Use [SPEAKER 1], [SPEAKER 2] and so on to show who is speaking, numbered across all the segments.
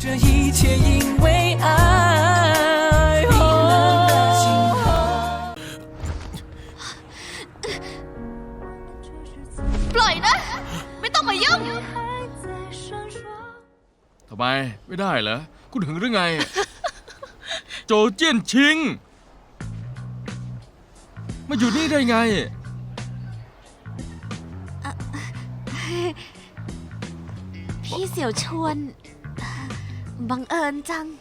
[SPEAKER 1] 这一切因为爱。冰冷的星河。
[SPEAKER 2] ปล่อยนะ ไม่ต้องมายุ่ง
[SPEAKER 3] ทำไมไม่ได้เหรอคุณหึงหรือไง โจเจี้ยนชิงมาอยู่นี่ได้ไง
[SPEAKER 2] พี่เสี่ยวชวนบังเอิญจัง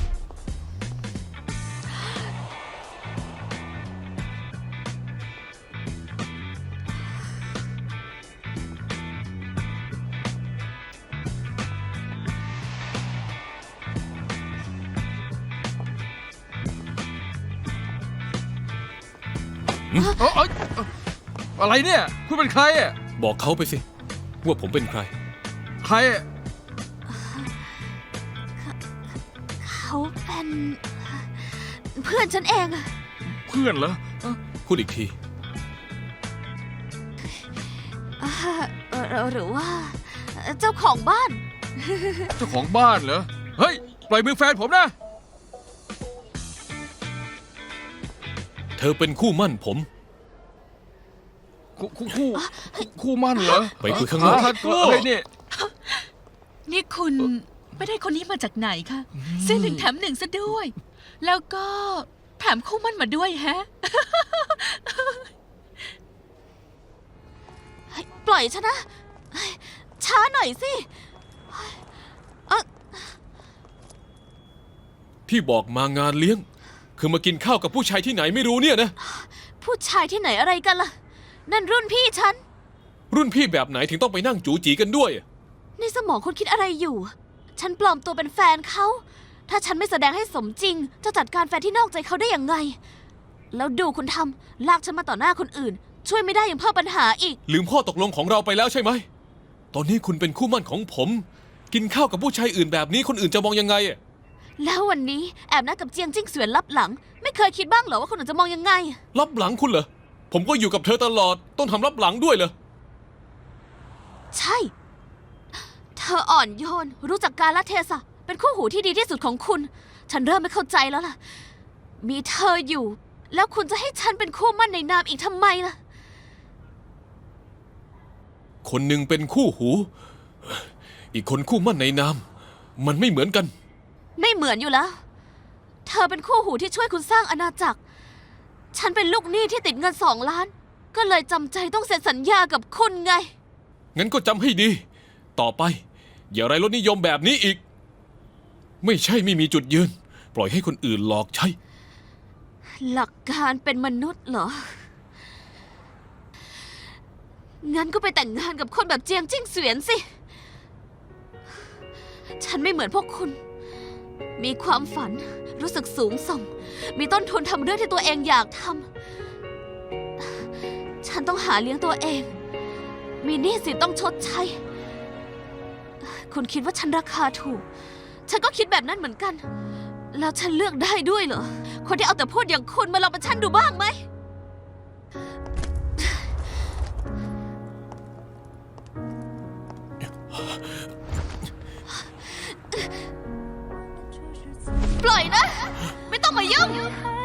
[SPEAKER 3] อะไรเนี่ยคุณเป็นใครอ่ะ
[SPEAKER 4] บอกเขาไปสิว่าผมเป็นใคร
[SPEAKER 3] ใครอ่ะ
[SPEAKER 2] เขาเป็นเพื่อนฉันเองอะ
[SPEAKER 3] เพื่อนเหรอ
[SPEAKER 4] พูดอีกที
[SPEAKER 2] หรือว่า เจ้าของบ้าน
[SPEAKER 3] เจ้าของบ้านเหรอเฮ้ยปล่อยมือแฟนผมนะ
[SPEAKER 4] เธอเป็นคู่มั่นผม
[SPEAKER 3] คู่มั่นเหรอ
[SPEAKER 4] ไปคุยข้างนอก
[SPEAKER 3] ทัดกู้เฮ้ยนี่
[SPEAKER 5] นี่คุณไม่ได้คนนี้มาจากไหนคะซื้อ1 แถม 1ซะด้วย แล้วก็แถมคู่มั่นมาด้วยแฮะ
[SPEAKER 2] ปล่อยฉันนะ ช้าหน่อยสิ
[SPEAKER 4] ที่บอกมางานเลี้ยง คือมากินข้าวกับผู้ชายที่ไหนไม่รู้เนี่ยนะ
[SPEAKER 2] ผู้ชายที่ไหนอะไรกันล่ะ นั่นรุ่นพี่ฉัน
[SPEAKER 4] รุ่นพี่แบบไหนถึงต้องไปนั่งจูจีกันด้วย
[SPEAKER 2] ในสมองคุณคิดอะไรอยู่ ฉันปลอมตัวเป็นแฟนเขา ถ้าฉันไม่แสดงให้สมจริง จะจัดการแฟนที่นอกใจเขาได้อย่างไง แล้วดูคุณทำลากฉันมาต่อหน้าคนอื่น ช่วยไม่ได้ยังเพิ่มปัญหาอีก
[SPEAKER 4] ลืมข้อตกลงของเราไปแล้วใช่ไหม ตอนนี้คุณเป็นคู่มั่นของผม กินข้าวกับผู้ชายอื่นแบบนี้คนอื่นจะมองยังไง
[SPEAKER 2] แล้ววันนี้แอบนัดกับเจียงจิ้งเสวียนลับหลัง ไม่เคยคิดบ้างเหรอว่าคนอื่นจะมองยังไง
[SPEAKER 4] รับหลังคุณเหรอ ผมก็อยู่กับเธอตลอด ต้องทำรับหลังด้วยเหรอ
[SPEAKER 2] ใช่ เธออ่อนโยน รู้จักกาลเทศะ เป็นคู่หูที่ดีที่สุดของคุณ ฉันเริ่มไม่เข้าใจแล้วล่ะ มีเธออยู่ แล้วคุณจะให้ฉันเป็นคู่มั่นในนามอีกทำไมล่ะ
[SPEAKER 4] คนหนึ่งเป็นคู่หู อีกคนคู่มั่นในนาม มันไม่เหมือนกัน
[SPEAKER 2] ไม่เหมือนอยู่แล้ว เธอเป็นคู่หูที่ช่วยคุณสร้างอาณาจักร ฉันเป็นลูกหนี้ที่ติดเงิน2 ล้าน ก็เลยจำใจต้องเซ็นสัญญากับคุณไง
[SPEAKER 4] งั้นก็จำให้ดี ต่อไป อย่าไร้รสนิยมแบบนี้อีก ไม่ใช่ไม่มีจุดยืน ปล่อยให้คนอื่นหลอกใช้
[SPEAKER 2] หลักการเป็นมนุษย์เหรอ งั้นก็ไปแต่งงานกับคนแบบเจียงจิ้งเสวียนสิ ฉันไม่เหมือนพวกคุณ มีความฝัน รู้สึกสูงส่ง มีต้นทุนทำเรื่องที่ตัวเองอยากทำ ฉันต้องหาเลี้ยงตัวเอง มีหนี้สินต้องชดใช้ คุณคิดว่าฉันราคาถูก ฉันก็คิดแบบนั้นเหมือนกัน แล้วฉันเลือกได้ด้วยเหรอ คนที่เอาแต่พูดอย่างคุณมาลองเป็นฉันดูบ้างไหม ปล่อยนะ ไม่ต้องมายุ่ง